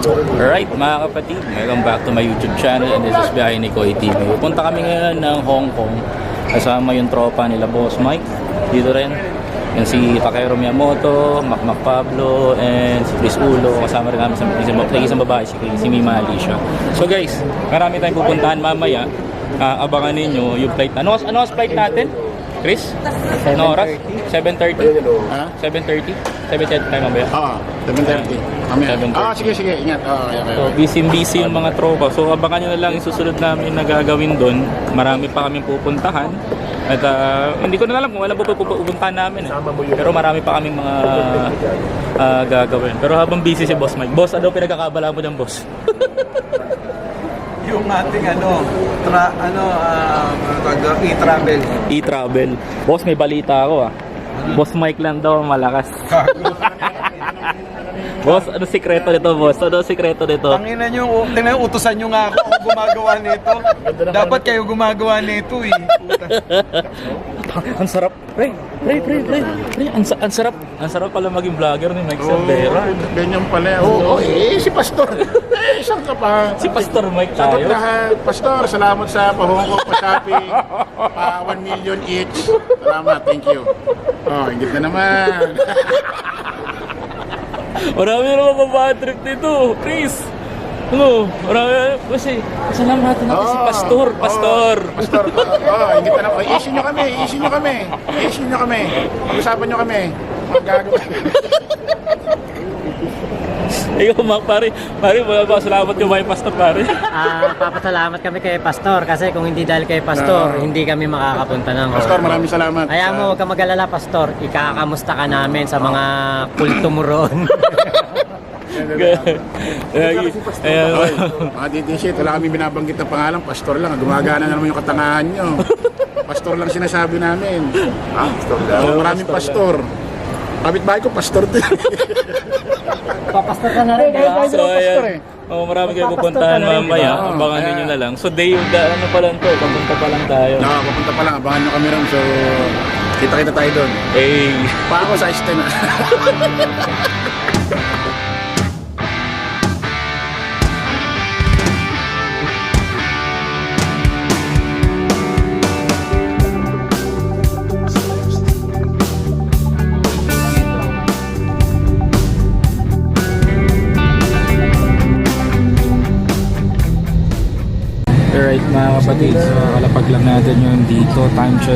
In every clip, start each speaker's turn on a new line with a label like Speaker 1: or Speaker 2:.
Speaker 1: Alright mga kapatid, welcome back to my YouTube channel and this is Biyahe ni Koy TV. Punta kami ngayon ng Hong Kong kasama yung tropa nila Boss Mike. Dito rin yung si Takero Miyamoto, Mac Pablo, and si Chris Ulo. Kasama rin namin sa isang babae, si Mima Alicia. So guys, marami tayong pupuntahan mamaya. Abangan ninyo yung flight. Ano flight natin? Chris? Ano oras? 7:30?
Speaker 2: Ha?
Speaker 1: 7:30? 7:30 tayo mamaya?
Speaker 2: 7:30. Sige, ingat.
Speaker 1: So, busy yung mga tropa. So, abangan nyo na lang yung susunod namin na gagawin doon. Marami pa kaming pupuntahan. At hindi ko na alam kung alam po pupuntahan namin. Pero marami pa kaming mga gagawin. Pero habang busy si Boss Mike. Boss, ano pinagkakabala mo dyan, boss?
Speaker 3: Yung ating e-travel.
Speaker 1: E-travel. Boss, may balita ako Boss Mike lang daw malakas. Boss, ano sikreto nito, boss? Ano sikreto nito?
Speaker 3: Tanginan nyo, utusan nyo nga ako gumagawa nito. Dapat kayo gumagawa nito eh.
Speaker 1: Ang sarap. Pre. Ang sarap. Ang sarap pala maging vlogger ni Mike Saldera.
Speaker 2: Ganyan pala. Si Pastor. Isang ka pa.
Speaker 1: Si Pastor Mike
Speaker 2: Sagot
Speaker 1: tayo.
Speaker 2: lahat. Pastor, salamat sa pahongkong pa-shopping. 1 million each. Salamat, thank you. Ingit na naman.
Speaker 1: Marami na naman bad trip dito, Chris. Ano? Marami. Kasi, salamatan natin si Pastor.
Speaker 2: Pastor, ingit na naman. I-issue nyo kami. Pag-usapan nyo kami. Magagawa.
Speaker 1: Ikaw, Mac, pare, salamat yung may Pastor, pare.
Speaker 4: Papasalamat kami kay Pastor kasi kung hindi dahil kay Pastor, hindi kami makakapunta ng
Speaker 2: Pastor, maraming salamat.
Speaker 4: Kaya mo, huwag ka mag-alala, Pastor. Ikakamusta ka namin sa mga kulto mo roon.
Speaker 2: Mga DDC, wala kami binabanggit ng pangalan. Pastor lang. Gumagana na naman yung katangahan nyo. Pastor lang sinasabi namin. Pastor lang. Maraming pastor. Kapit-bahay ko, pastor din.
Speaker 4: Papastor ka na rin, di ba?
Speaker 1: So, ayan. Marami kayo pupuntahan mamaya. Abangan ninyo na lang. So, ano pa lang to? Papunta pa lang tayo.
Speaker 2: Papunta pa lang. Abangan nyo kami rin. So, kita-kita tayo doon.
Speaker 1: Hey.
Speaker 2: Pa ako sa este na.
Speaker 1: Alright mga kapatid, so kalapag lang natin yung dito, time check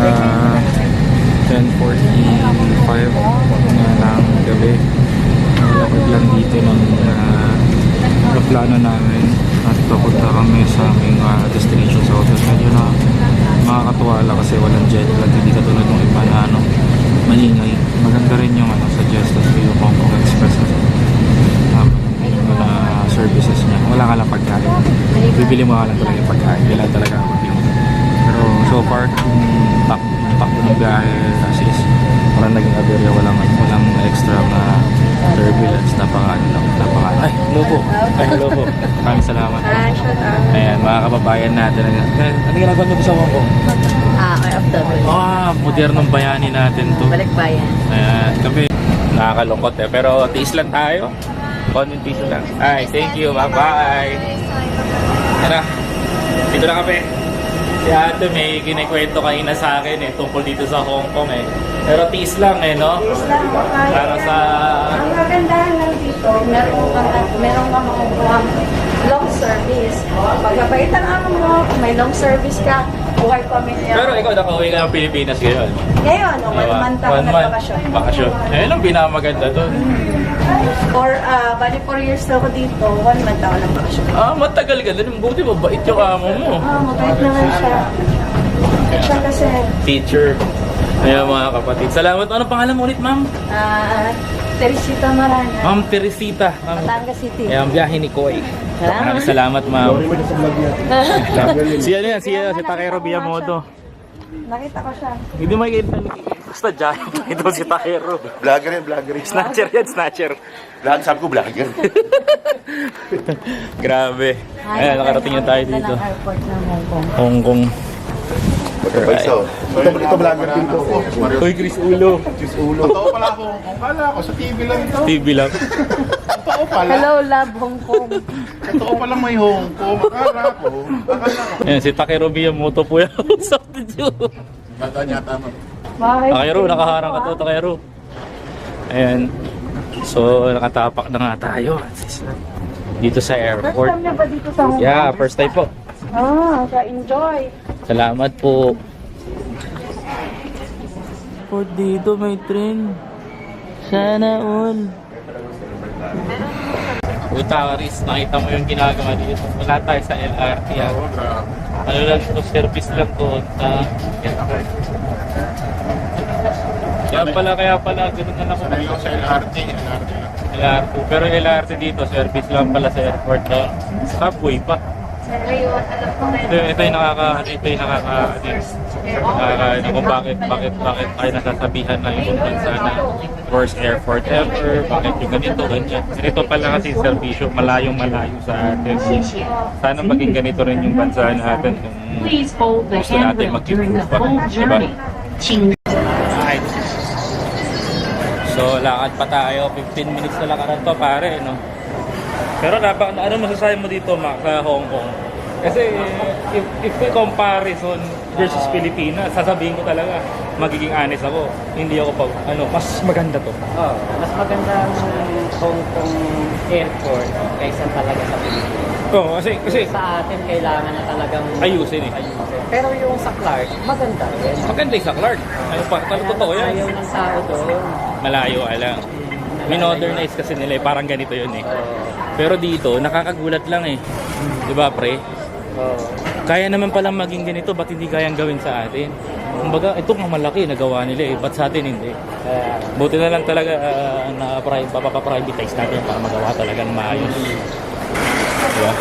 Speaker 1: 10:45 na ng gabi. Kalapag lang dito ng plano namin at papunta kami sa aming destination sa hotel. Medyo na makakatuwa lang kasi walang jet lag, hindi katulad ng iba na maningay. Maganda rin yung suggested ko yung Hong Kong Express yung services niya. Wala ka lang pagkain. Bibili mo ka lang talaga yung pagkain. Wala talaga ang pagkain. Pero so far, yung takbo ng biyahe is walang naging aberya, walang extra na turbulence. Hello po. Maraming salamat. Ayan, mga kababayan natin. Ano ginagawa nyo sa Hong Kong?
Speaker 5: OFW.
Speaker 1: Modernong bayani natin to.
Speaker 5: Balik bayan.
Speaker 1: Ayan, kami nakakalungkot pero tiis lang tayo. Konting piso lang. Ay, thank you. Bye-bye. Tara. Dito na kami. Si ate may kinikwento kanina sa akin tungkol dito sa Hong Kong Pero tiis lang no?
Speaker 5: Tiis lang.
Speaker 1: Para sa...
Speaker 5: Ang kagandahan lang dito, meron ka makukuha long service. Pagkabaitan mo, may long service ka, buhay pamilya.
Speaker 1: Pero ikaw nakauwi ka ng Pilipinas ngayon.
Speaker 5: Ngayon, 1 month ako nagbakasyon.
Speaker 1: Bakasyon. Ayun ang pinamaganda doon.
Speaker 5: Bali 4 years na ako dito, 1 month ako nagbakasyon.
Speaker 1: Matagal ka doon. Buti mabait yung amo mo.
Speaker 5: Mabait naman siya. Siya kasi.
Speaker 1: Teacher. Ayan mga kapatid. Salamat. Ano pangalan mo ulit, ma'am?
Speaker 5: Teresita Marana.
Speaker 1: Ma'am Teresita.
Speaker 5: Batangas City.
Speaker 1: Ayan, ang biyahe ni Koy.
Speaker 5: Salamat.
Speaker 1: Salamat, ma'am. Si Takero Miyamoto.
Speaker 5: Nakita ko siya.
Speaker 1: Hindi makikita. Basta dyan. Ito si Takero.
Speaker 2: Vlogger.
Speaker 1: Snatcher yan, snatcher.
Speaker 2: Sabi ko vlogger.
Speaker 1: Grabe. Ayan, nakarating na tayo dito.
Speaker 5: Airport ng Hong Kong.
Speaker 1: Hong Kong.
Speaker 2: Ito vlogger din to.
Speaker 1: Uy, Chris Ulo.
Speaker 2: Totoo pala ako. Kung kala ako sa TV lang ito.
Speaker 1: TV lang.
Speaker 2: Totoo Totoo pala.
Speaker 5: Hello, love Hong Kong.
Speaker 2: Totoo palang may Hong Kong. Akala ko.
Speaker 1: Ayan, si Takeru Miyamoto po yung usap ninyo.
Speaker 2: Bata niya tama.
Speaker 5: Bakit?
Speaker 1: Takeru, nakaharang ka to, Takeru. Ayan. So, nakatapak na nga tayo. Dito sa
Speaker 5: First
Speaker 1: airport.
Speaker 5: time niya ba dito sa Hong Kong?
Speaker 1: Yeah, first time po.
Speaker 5: Enjoy.
Speaker 1: Salamat po. Po dito may train. Sana all. Puta, Aris, nakita mo yung ginagawa dito. Wala tayo sa LRT. Ano lang ito, service lang to. Kaya pala, ganoon na lang ako.
Speaker 2: Sanay ako sa LRT.
Speaker 1: LRT. Pero LRT dito, service lang pala sa airport. Subway pa. Ito yung kung bakit tayo nasasabihan na yung bansa na worst airport ever, bakit yung ganito, ganyan. Ito pala kasi serbisyo, malayong malayo sa atin. Sana maging ganito rin yung bansa natin kung gusto natin mag-improve pa, diba? Right. So lakad pa tayo, 15 minutes na lakaran to pare, no? Pero ano masasabi mo dito, Mac, sa Hong Kong? Kasi if we comparison versus Pilipinas, sasabihin ko talaga, magiging honest ako. Hindi ako mas maganda to.
Speaker 4: Oh, mas maganda ang Hong Kong airport kaysa talaga sa Pilipinas.
Speaker 1: Oo, kasi
Speaker 4: Sa atin, kailangan na talagang
Speaker 1: ayusin eh.
Speaker 4: Pero yung sa Clark, maganda rin.
Speaker 1: Maganda yung sa Clark. Ano pa, totoo yan.
Speaker 4: Ayaw ng tao doon.
Speaker 1: Malayo, alam. Minodernize kasi nila eh, parang ganito yun eh. Pero dito, nakakagulat lang eh. Diba pre? Kaya naman palang maging ganito, ba't hindi kayang gawin sa atin? Kumbaga, ito nga malaki, nagawa nila eh. Ba't sa atin hindi? Buti na lang talaga na papapprivatize natin para magawa talaga ng maayos. Diba?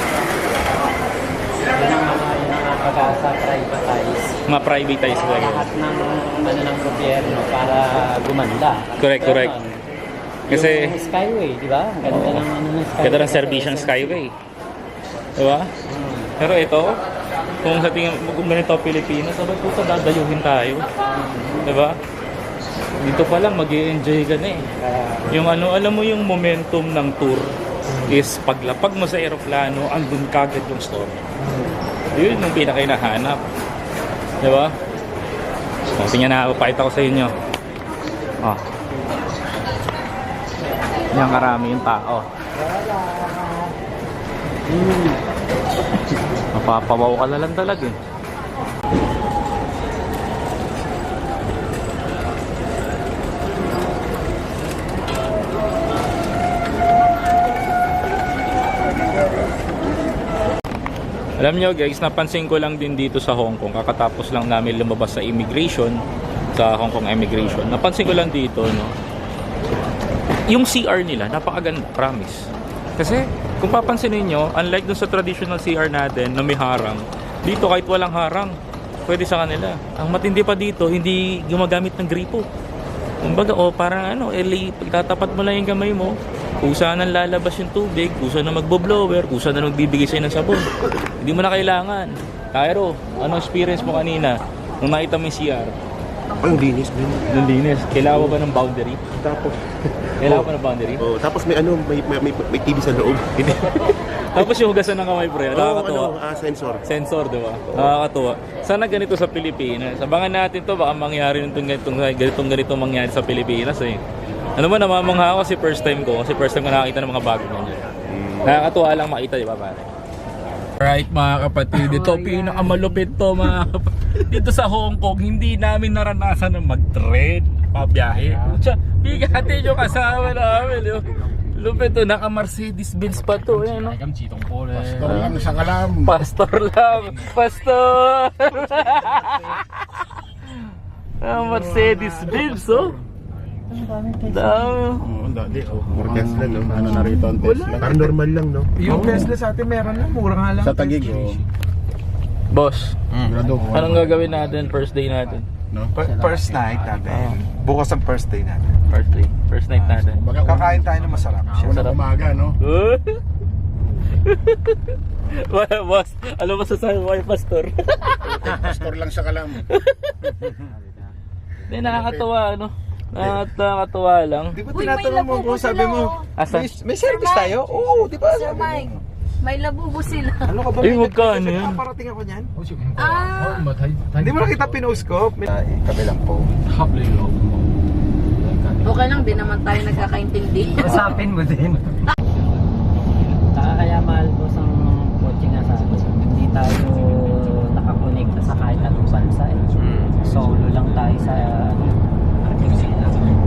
Speaker 4: Pag-asa privatize.
Speaker 1: Ma-privatize talaga.
Speaker 4: Lahat ng gobyerno para gumanda.
Speaker 1: Correct. Kasi
Speaker 4: yung Skyway, di ba? Ganda ng Skyway.
Speaker 1: ganda ng service ng Skyway. Diba? Pero ito, kung sa tingin kung ganito Pilipinas, sabay po sa dadayuhin tayo. Diba? Dito pa lang mag-i-enjoy ka na eh. Yung alam mo yung momentum ng tour is paglapag mo sa eroplano, andun kagad yung story. Yun yung pinaka-hinahanap. Diba? So, tingnan na, papakita ko sa inyo. Oh. Yan karami yung tao. Mapapawaw ka na lang talaga eh. Alam nyo guys, napansin ko lang din dito sa Hong Kong, kakatapos lang namin lumabas sa immigration, sa Hong Kong immigration. Napansin ko lang dito, no, yung CR nila, napakaganda, promise. Kasi, kung papansin niyo, unlike dun sa traditional CR natin na may harang, dito kahit walang harang, pwede sa kanila. Ang matindi pa dito, hindi gumagamit ng gripo. Kumbaga, parang pagtatapat mo lang yung kamay mo, kusa na lalabas yung tubig, kusa na magbo-blower, kusa na magbibigay sa'yo ng sabon. Hindi mo na kailangan. Cairo, ano experience mo kanina nung nakita mo yung CR?
Speaker 6: Ang linis din.
Speaker 1: Nung linis. Kailangan mo ba ng boundary?
Speaker 6: Tapos,
Speaker 1: Kailangan pa ng boundary?
Speaker 6: tapos may TV sa loob.
Speaker 1: Tapos yung hugasan ng kamay, pre. Nakakatuwa.
Speaker 6: Sensor.
Speaker 1: Sensor, di ba? Nakakatuwa. Sana ganito sa Pilipinas. Abangan natin to, baka mangyari ganitong mangyari sa Pilipinas eh. Ano ba, namamangha ako kasi first time ko nakakita ng mga bago ganyan. Nakakatuwa lang makita, di ba pare? Right mga kapatid, ito pinakamalupit to mga kapatid. Dito sa Hong Kong, hindi namin naranasan na mag-trade, pabiyahe. Bigati yung kasama namin. Lupit to, naka-Mercedes-Benz pa to. Ayan, no?
Speaker 2: Pastor lang sa kalam.
Speaker 1: Pastor lang. Pastor! Mercedes-Benz, oh. Dami.
Speaker 6: More Tesla, no?
Speaker 2: Ano na rito ang Tesla?
Speaker 6: Parang normal lang, no?
Speaker 3: Yung Tesla sa atin meron lang, mura nga lang.
Speaker 2: Sa Taguig,
Speaker 1: Boss,
Speaker 2: Grado.
Speaker 1: anong gagawin natin first day natin?
Speaker 2: No?
Speaker 3: First night natin. Bukas ang first day natin.
Speaker 1: First night natin.
Speaker 2: Kumbaga,
Speaker 3: Kakain tayo ng masarap.
Speaker 2: unang umaga, no?
Speaker 1: Boss, ano masasabi mo kay Pastor?
Speaker 2: Pastor lang sa kalam.
Speaker 1: Hindi, nakakatawa, ano? Nakakatuwa lang.
Speaker 3: Di ba
Speaker 5: Uy, may
Speaker 3: tinatanong mo
Speaker 5: labubo
Speaker 3: kung sabi
Speaker 5: sila,
Speaker 3: mo,
Speaker 5: oh.
Speaker 1: Asa?
Speaker 3: may service tayo? Oo, di ba?
Speaker 5: Sir Mike, may labubo sila.
Speaker 3: Ano ka ba?
Speaker 1: Ay, wag ka, ano yan?
Speaker 3: Parating ako niyan.
Speaker 5: Ah,
Speaker 3: Hindi mo nakita pinost ko? Kabilang po.
Speaker 5: okay lang, di naman tayo nagkakaintindi.
Speaker 4: Usapin mo din. Kaya mahal po sa kotse nga sa atin. Hindi tayo nakakonekta sa kahit anong bansa. Solo lang tayo sa Argentina.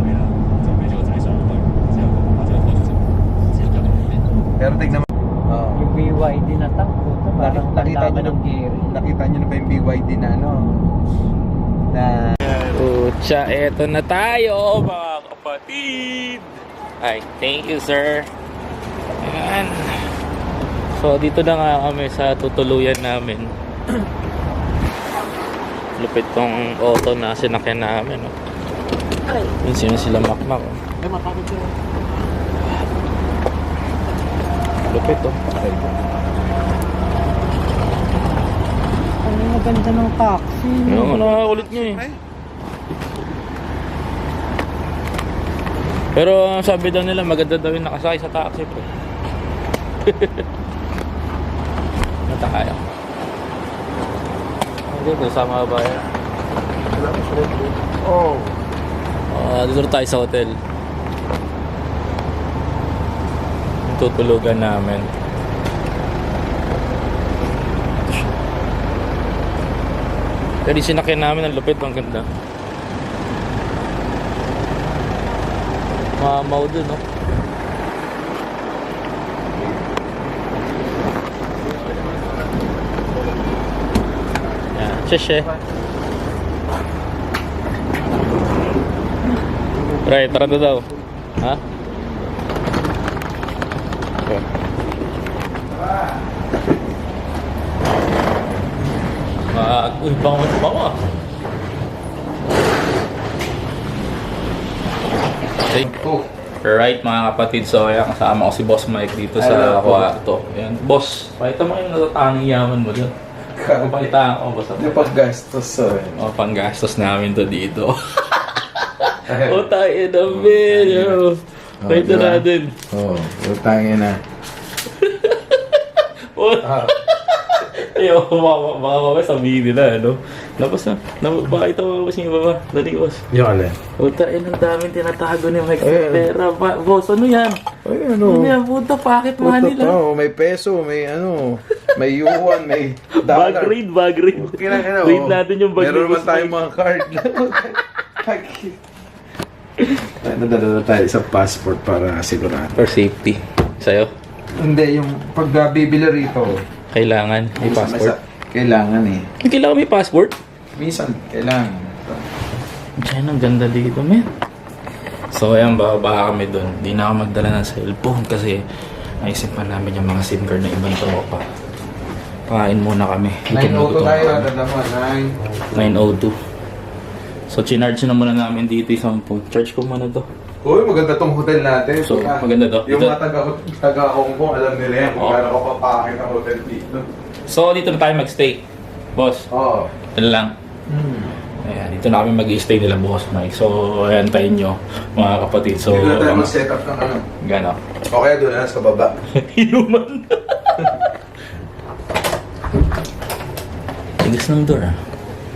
Speaker 3: Pero tignan mo.
Speaker 4: Yung BYD na tank po, parang
Speaker 3: Nakita nyo
Speaker 4: ng gear.
Speaker 3: Nakita nyo na ba yung BYD na ano? Na
Speaker 1: Pucha, eto na tayo mga kapatid. Ay, thank you sir. Ayan. So dito na nga kami sa tutuluyan namin. Lupit tong auto na sinakyan namin. Oh. Yun sila makmak. Oh.
Speaker 2: Ay, mapagod siya.
Speaker 1: Lupit oh.
Speaker 4: Ano yung ganda ng taxi?
Speaker 1: Yung nakakulit niya eh. Pero sabi daw nila maganda daw yung nakasakay sa taxi po. Nata kaya. Hindi po, sama ba yan?
Speaker 3: oh.
Speaker 1: Dito na tayo sa hotel. Yung tutulugan namin. Pero sinakyan namin ang lupit, ang ganda. Mamaw dun, no? Yan, sheshe. Right, tara na daw. Ha? Okay. Uy, bango. Right mga kapatid, so ayan, kasama ko si Boss Mike dito sa kwarto. Ayan, Boss, pakita mo yung natatanging yaman mo dyan. Pakita ko, Boss.
Speaker 3: Yung paggastos
Speaker 1: O, panggastos namin to dito. O, tayo na video. Pakita natin.
Speaker 3: Oo, utangin na.
Speaker 1: Ayaw, baka mamaya sabihin nila, ano? Tapos na, pakita mo Boss yung baba. Dali, Boss.
Speaker 3: Yung alin?
Speaker 1: Puta, ang daming tinatago ni Mike sa pera. Boss, ano yan?
Speaker 3: Ay,
Speaker 1: Ano yan? Puta, bakit money lang?
Speaker 3: may peso, may ano, may yuan, may
Speaker 1: Bag raid. Raid natin yung bag
Speaker 3: Meron
Speaker 1: ni
Speaker 3: naman
Speaker 1: Boss
Speaker 3: tayong
Speaker 1: Mike.
Speaker 3: mga card. Nadala tayo sa passport para sigurado.
Speaker 1: For safety. Sa'yo?
Speaker 3: Hindi, yung pag bibili rito,
Speaker 1: Kailangan may passport.
Speaker 3: kailangan eh.
Speaker 1: Kailangan may passport?
Speaker 3: Minsan, kailangan.
Speaker 1: Diyan, ang ganda dito, man. So, ayan, baka kami doon. Di na ako magdala ng cellphone kasi naisip pa namin yung mga SIM card na ibang tropa. Pakain muna kami.
Speaker 3: 902 tayo, dadala mo,
Speaker 1: 902. So, chinarge na muna namin dito yung phone. Charge ko muna to.
Speaker 3: Uy, maganda tong hotel natin.
Speaker 1: So, maganda to.
Speaker 3: Yung
Speaker 1: Dito.
Speaker 3: mga taga-Hong Kong, alam nila yan kung
Speaker 1: Oo.
Speaker 3: paano ko papakit ang hotel dito.
Speaker 1: So, dito na tayo magstay. Boss,
Speaker 3: Oo.
Speaker 1: ito lang. Ayan, dito na kami mag-stay nila, Boss Mike. So, ayan tayo nyo, mga kapatid. So,
Speaker 3: Dito na tayo mag-set up ng ano.
Speaker 1: gano'n.
Speaker 3: O kaya doon na sa baba.
Speaker 1: Inuman. Tigas ng door, ah.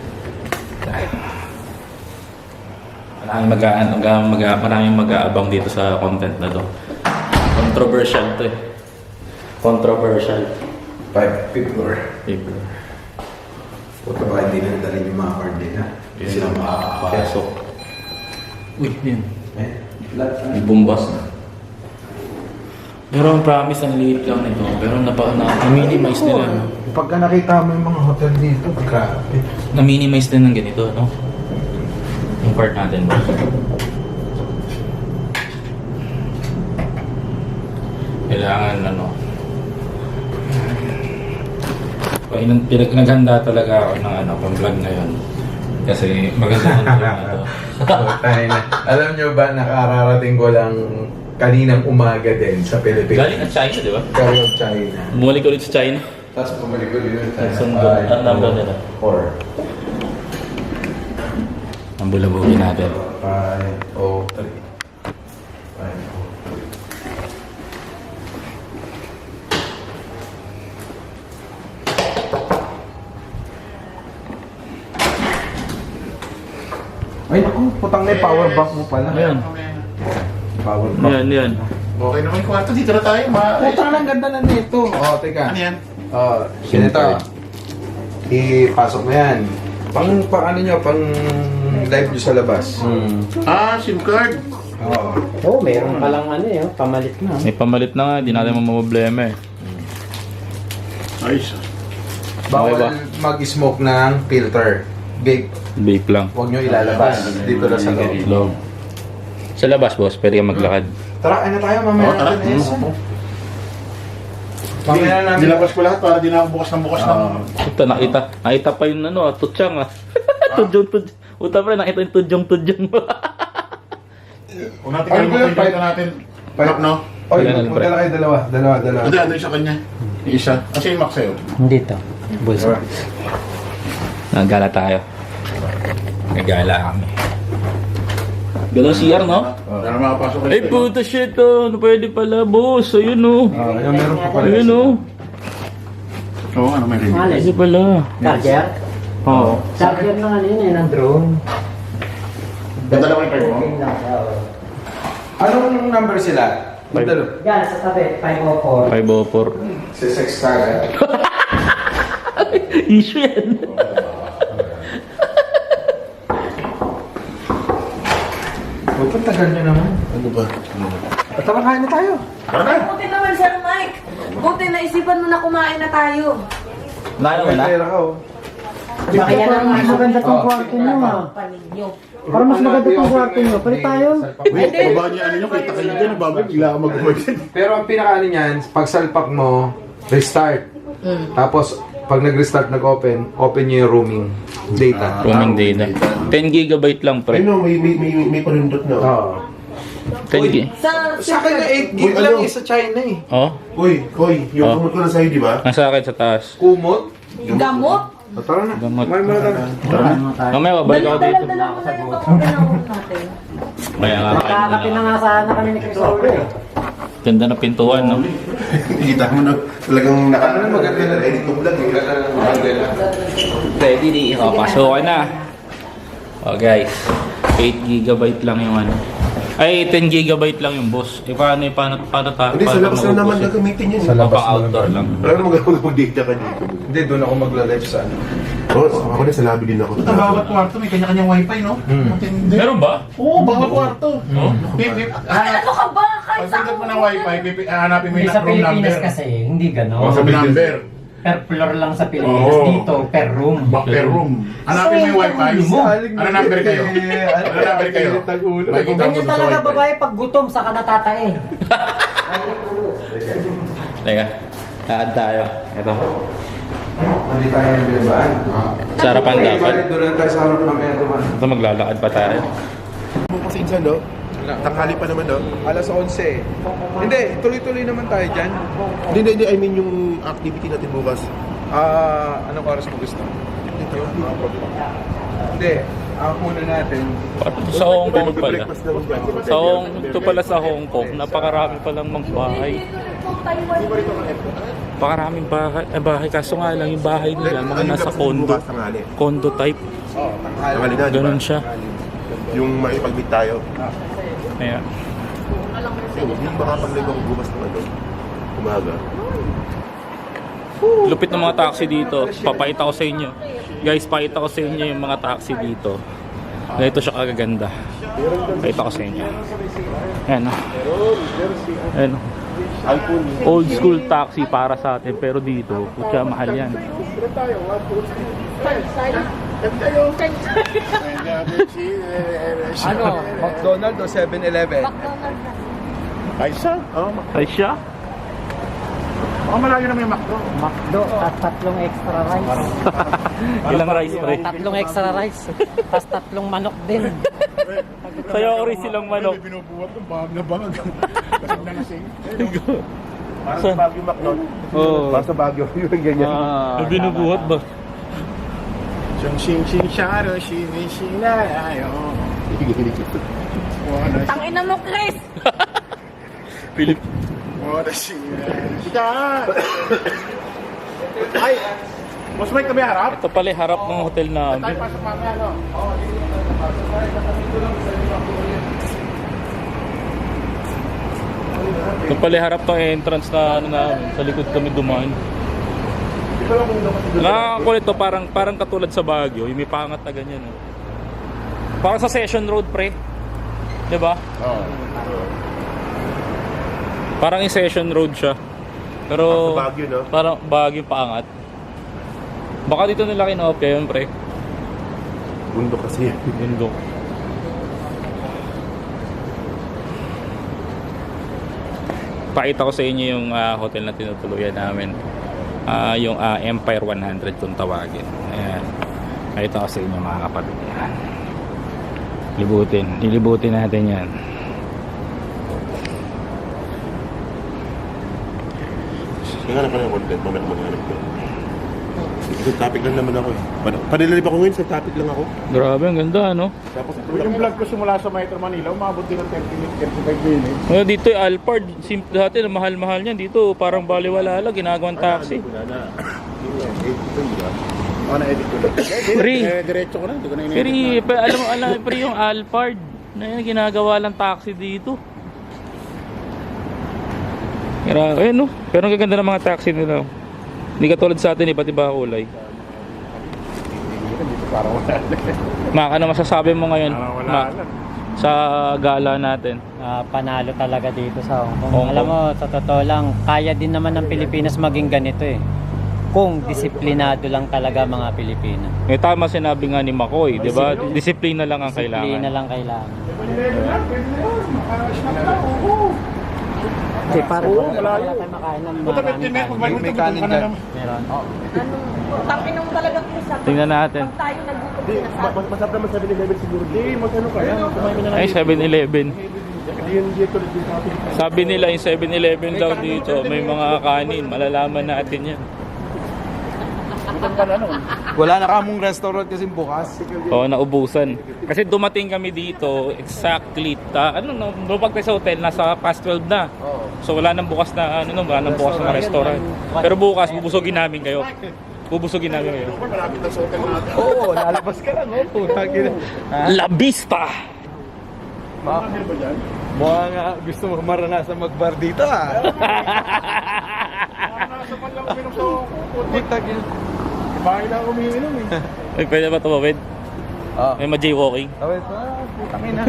Speaker 1: Maraming mag-aabang dito sa content na to. Controversial to eh. Controversial.
Speaker 3: 5th floor.
Speaker 1: Paper.
Speaker 3: Puta ba hindi na dalhin yung mga card nila? Hindi sila makakapasok.
Speaker 1: Uy, yun.
Speaker 3: Eh, lahat
Speaker 1: May bumbas na. Pero ang promise, ang liit lang nito. Pero na-minimize nila. No?
Speaker 3: Pagka nakita mo yung mga hotel dito, grabe.
Speaker 1: Na-minimize din ng ganito, no? Yung part natin. Kailangan, ano, pinaghanda talaga ako ng ano, pang-vlog ngayon. Kasi maganda ang vlog na to.
Speaker 3: Tayo na. Alam nyo ba, nakararating ko lang kaninang umaga din sa Pilipinas.
Speaker 1: Galing ang China, di ba?
Speaker 3: Galing ang China.
Speaker 1: Bumalik ulit sa China.
Speaker 3: Tapos bumalik ko din sa
Speaker 1: Sundo. Ang number nila.
Speaker 3: 4.
Speaker 1: Ang bulabugin natin.
Speaker 3: 503. 503. Ay naku, putang na yung power bank mo pala.
Speaker 1: Ayan.
Speaker 3: Power bank.
Speaker 1: Yan.
Speaker 2: Okay naman yung kwarto. Dito na tayo.
Speaker 3: Putang na, ganda na nito. Oh, teka.
Speaker 2: Ano yan?
Speaker 3: Ganito. Ipasok mo yan. Pang ano nyo, pang live nyo sa labas.
Speaker 2: SIM card.
Speaker 3: Oo.
Speaker 4: Oo, meron palang ano eh, pamalit na.
Speaker 1: May pamalit na nga, di natin mamproblema eh.
Speaker 2: Ayos.
Speaker 3: Bawal
Speaker 1: Okay ba?
Speaker 3: mag-smoke ng filter. Vape.
Speaker 1: Vape lang.
Speaker 3: Huwag nyo ilalabas. Dito lang sa loob.
Speaker 1: Loob. Sa labas, boss, pwede ka maglakad.
Speaker 3: Tara, ano tayo? Mamaya
Speaker 2: Tara.
Speaker 3: natin. Mamaya na namin.
Speaker 2: Nilabas ko lahat para di na ako bukas ng bukas ng...
Speaker 1: Puta, nakita pa yung ano, tutsang ah. Tudyong. Uta pa, nakita yung tudyong.
Speaker 2: Kung natin kalimutan dito natin. Lock, no?
Speaker 3: Oy,
Speaker 1: Wala na,
Speaker 3: punta na kayo dalawa.
Speaker 2: Hindi, ano yung sa kanya? Yung isa. Kasi yung Max sa'yo.
Speaker 4: Hindi to. Bulsa.
Speaker 1: Nagala tayo. Nagala kami. Gala CR, no?
Speaker 2: Para makapasok kayo.
Speaker 1: Ay, puta shit, oh. Ano pwede pala, boss? Ayun, oh.
Speaker 3: Ayun, meron pa pala.
Speaker 1: Ayun, oh.
Speaker 2: Oo, ano may rin.
Speaker 1: Pwede pala.
Speaker 4: Charger?
Speaker 1: Oo.
Speaker 4: Charger na ano yun eh, ng drone.
Speaker 2: Ganda naman yung kayo.
Speaker 3: Anong number sila? Dalo.
Speaker 4: Yan, sa tabi, 504.
Speaker 1: 504.
Speaker 3: Si Sex Tag.
Speaker 1: Issue yan.
Speaker 3: Huwag pang tagal nyo naman.
Speaker 2: Ano ba?
Speaker 3: At tara, kain na tayo.
Speaker 2: Tara na.
Speaker 5: Buti naman, Sir Mike. Buti na isipan mo na kumain na tayo.
Speaker 1: Nala
Speaker 3: May pera ka, oh.
Speaker 4: Kaya lang mas maganda tong kwarto nyo ah.
Speaker 5: Paninyo.
Speaker 4: Para mas maganda tong kwarto nyo. Palit tayo.
Speaker 2: Wait, baba niya ano nyo. Kita kayo dyan. Babay, bigla ka mag-work.
Speaker 3: Pero ang pinakaano niyan, pag salpak mo, restart. Tapos, pag nag-restart, open nyo yung roaming data.
Speaker 1: Roaming data. 10 gigabyte lang, pre.
Speaker 6: Ay no, may panundot na.
Speaker 3: Oo.
Speaker 1: 10 gig.
Speaker 3: Sa akin na 8 gig
Speaker 6: Uy,
Speaker 3: lang
Speaker 6: ano?
Speaker 3: eh, sa China eh.
Speaker 1: Oh,
Speaker 6: Uy, yung kumot ko na sa'yo, di ba?
Speaker 1: nasa akin sa taas.
Speaker 3: Kumot.
Speaker 5: Gamot.
Speaker 3: Tara na.
Speaker 1: Gamot.
Speaker 3: Kumain muna tayo.
Speaker 1: Mamaya, babalik ako dito.
Speaker 5: Dala mo na yung pangkinahon natin.
Speaker 1: Kaya nga, kain
Speaker 4: Kakapin na nga sana kami ni Chris Olo eh.
Speaker 1: Ganda na pintuan, no?
Speaker 6: Kita mo na talagang
Speaker 3: Ano maganda na
Speaker 6: edit ko vlog eh.
Speaker 1: Ready, di ipapasok na. Oh, guys. 8 gigabyte lang yung ano. Ay, 10 gigabyte lang yung boss. Eh, paano
Speaker 6: Hindi, sa labas na naman gagamitin yun.
Speaker 3: Sa labas
Speaker 1: Papa outdoor lang.
Speaker 6: Wala naman mag-data ka dito.
Speaker 3: Hindi, doon ako magla-live sa ano.
Speaker 6: Oo, ako na sa lobby din ako.
Speaker 2: Ito, bawat kwarto may kanya-kanyang wifi, no? Matindi.
Speaker 1: Meron ba?
Speaker 2: Oo, bawat kwarto.
Speaker 5: Ay, ano ka ba? Kahit sa
Speaker 2: Pagsagot mo ng wifi, hanapin mo
Speaker 4: Hindi
Speaker 2: yung
Speaker 4: sa
Speaker 2: room number.
Speaker 4: Pilipinas kasi, hindi
Speaker 2: O,
Speaker 4: gano'n.
Speaker 2: sa number.
Speaker 4: Per floor lang sa Pilipinas.
Speaker 2: Oo.
Speaker 4: Dito, per room.
Speaker 2: Back per room. Hanapin mo yung wifi. Ano number kayo? Ano number kayo? Makikita mo
Speaker 4: Ganyan
Speaker 2: sa
Speaker 4: talaga
Speaker 2: wifi.
Speaker 4: babae pag gutom, saka natatae.
Speaker 1: Teka. Laan tayo. Ito.
Speaker 3: Hindi tayo yung bilibaan.
Speaker 1: Sarapan dapat.
Speaker 3: Doon lang tayo sa harap mamaya naman.
Speaker 1: Ito, maglalakad pa tayo.
Speaker 6: Kasi insan, no? Tanghali pa naman, no?
Speaker 3: Alas 11. Hindi, tuloy-tuloy naman tayo dyan.
Speaker 6: Hindi. I mean yung activity natin bukas.
Speaker 3: Anong oras mo gusto? Hindi, ang una natin.
Speaker 1: Sa Hong Kong pala.
Speaker 6: Breakfast naman dyan.
Speaker 1: Ito pala sa Hong Kong, napakarami palang mga bahay. Napakaraming bahay. Kaso nga lang, yung bahay nila, mga nasa condo.
Speaker 6: Bukas tanghali.
Speaker 1: Condo type.
Speaker 3: Oo,
Speaker 6: Tanghali na, di ba?
Speaker 1: Ganun siya.
Speaker 6: Yung makipag-meet tayo.
Speaker 1: Ayan.
Speaker 6: Hindi makapag-live ako bukas ng ano. Umaga.
Speaker 1: Lupit ng mga taxi dito. Papakita ko sa inyo. Guys, pakita ko sa inyo yung mga taxi dito. Ganito siya kagaganda. Pakita ko sa inyo. Ayan o. Ayan o. Old school taxi para sa atin. Pero dito, kutya mahal yan.
Speaker 3: Ano? McDonald's o 7-Eleven?
Speaker 2: Ay, siya? Oo,
Speaker 1: Ay siya?
Speaker 2: baka malayo naman yung McDo.
Speaker 4: McDo at tatlong extra rice.
Speaker 1: Ilang rice pre?
Speaker 4: Tatlong extra rice. Tapos tatlong manok din.
Speaker 1: Sa'yo ori silang manok.
Speaker 2: May binubuhat ng bahag na bahag. Kasing na nasing.
Speaker 6: Para sa Baguio McDonald.
Speaker 1: Oo.
Speaker 6: Para sa Baguio. Yung ganyan.
Speaker 1: May binubuhat ba?
Speaker 2: Siyang sing sharo, shing na ayo.
Speaker 5: Tangina mo, Chris!
Speaker 1: Philip.
Speaker 2: Ika! Ay! Mas may kami harap?
Speaker 1: Ito pala yung harap ng hotel
Speaker 2: Tayo
Speaker 1: namin.
Speaker 2: pasok mamaya, no?
Speaker 1: Ito pala yung harap ng entrance na ano namin. Sa likod kami dumaan. Nakakakulit to, parang katulad sa Baguio. Yung may pangat na ganyan. Oh. Parang sa Session Road, pre. Diba?
Speaker 2: Oo.
Speaker 1: Parang yung Session Road siya. Pero
Speaker 6: Sa Baguio, no?
Speaker 1: parang Baguio paangat. Baka dito nila kinopya yun, pre.
Speaker 6: Bundok kasi yan.
Speaker 1: Bundok. Pakita ko sa inyo yung hotel na tinutuluyan namin. Yung Empire 100 kung tawagin. Ayan. Pakita ko sa inyo mga kapatid. Ayan. Lilibutin natin yan.
Speaker 6: Naghanap ka ng content, mamaya ka maghanap ko. Sa topic lang naman ako eh. Panilalib ako ngayon, sa topic lang ako.
Speaker 1: Grabe, ang ganda, no?
Speaker 6: Tapos
Speaker 2: Yung vlog ko simula sa Metro Manila, umabot din ng 30 minutes, 35 minutes.
Speaker 1: Well, dito yung Alphard. Simple dati, mahal-mahal niyan. Dito, parang baliwala lang. Ginagawang taxi.
Speaker 2: Na-edit ko na.
Speaker 1: Free.
Speaker 2: Diretso ko na, hindi ko na
Speaker 1: Pero,
Speaker 2: in-edit.
Speaker 1: alam, pre, yung Alphard. Na yan, ginagawa lang taxi dito. Ayun, no? Pero ang gaganda ng mga taxi nila. Hindi katulad sa atin, iba't iba kulay.
Speaker 2: Parang wala.
Speaker 1: Maka na masasabi mo ngayon,
Speaker 2: Parang wala
Speaker 1: Mac,
Speaker 2: lang.
Speaker 1: sa gala natin.
Speaker 4: Panalo talaga dito sa Hong Kong.
Speaker 1: Hong
Speaker 4: Alam
Speaker 1: Kong.
Speaker 4: mo, sa totoo lang, kaya din naman ng Pilipinas maging ganito eh. Kung disiplinado lang talaga mga Pilipino.
Speaker 1: Eh, tama sinabi nga ni Makoy, di ba? Disiplina lang ang
Speaker 4: Disiplina
Speaker 1: kailangan.
Speaker 4: lang kailangan. Kasi parang wala tayo makain ng
Speaker 2: Puta,
Speaker 4: maraming
Speaker 2: 15 minutes,
Speaker 4: kanin.
Speaker 3: May kanin
Speaker 2: ka na
Speaker 3: dyan.
Speaker 2: naman.
Speaker 4: Meron.
Speaker 5: Tapinong talaga, Chris.
Speaker 1: Tingnan natin.
Speaker 5: Pag tayo nagutom, sinasabi.
Speaker 6: masarap naman 7-Eleven siguro.
Speaker 2: Hindi, magkano kaya? Kumain mo na lang.
Speaker 1: Ay, 7-Eleven.
Speaker 2: Hindi yan dito rin dito natin.
Speaker 1: Sabi nila yung 7-Eleven daw dito, may mga kanin. Malalaman natin yan.
Speaker 2: Bukan ka na nun.
Speaker 3: Wala na kamong restaurant kasi bukas.
Speaker 1: Oo, naubusan. Kasi dumating kami dito, exactly, lumapag tayo sa hotel, nasa past 12 na. So wala nang bukas na, wala nang bukas na restaurant. Pero bukas, bubusugin namin kayo. Bubusugin namin kayo.
Speaker 2: Malapit na sa hotel natin.
Speaker 3: Oo, lalabas ka lang. Oh, putang ina.
Speaker 1: La Vista!
Speaker 2: Ano ba dyan?
Speaker 3: Mukha nga gusto mo maranasan magbar dito ah.
Speaker 2: Nasa pan lang uminom sa
Speaker 3: Putang ina.
Speaker 2: bahay lang umiinom eh.
Speaker 1: Ay, pwede ba tumawid?
Speaker 3: Ah.
Speaker 1: May ma-jaywalking?
Speaker 3: Tawid pa, putang ina.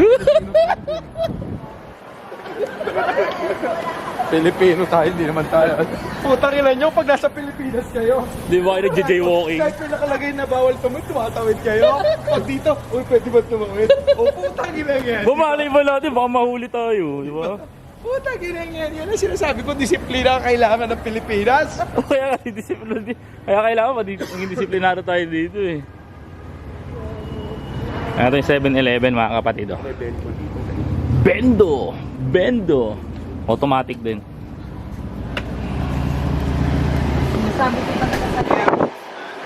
Speaker 3: Pilipino tayo, hindi naman tayo. Putang ina nyo, pag nasa Pilipinas kayo.
Speaker 1: Di ba kayo nagja-jaywalking?
Speaker 3: Kahit may nakalagay na bawal tumawid, tumatawid kayo. Pag dito, uy, pwede ba tumawid? O putang ina yan.
Speaker 1: Bumalay ba natin? Baka mahuli tayo, di ba?
Speaker 3: Putang ina yan. Yan ang sinasabi ko, disiplina ang kailangan ng Pilipinas.
Speaker 1: Kaya kasi disiplina. Kaya kailangan maging disiplinado tayo dito eh. Ito yung 7-Eleven mga kapatid. Oh. Bendo! Bendo! Automatic din.
Speaker 5: Sabi ko talaga sa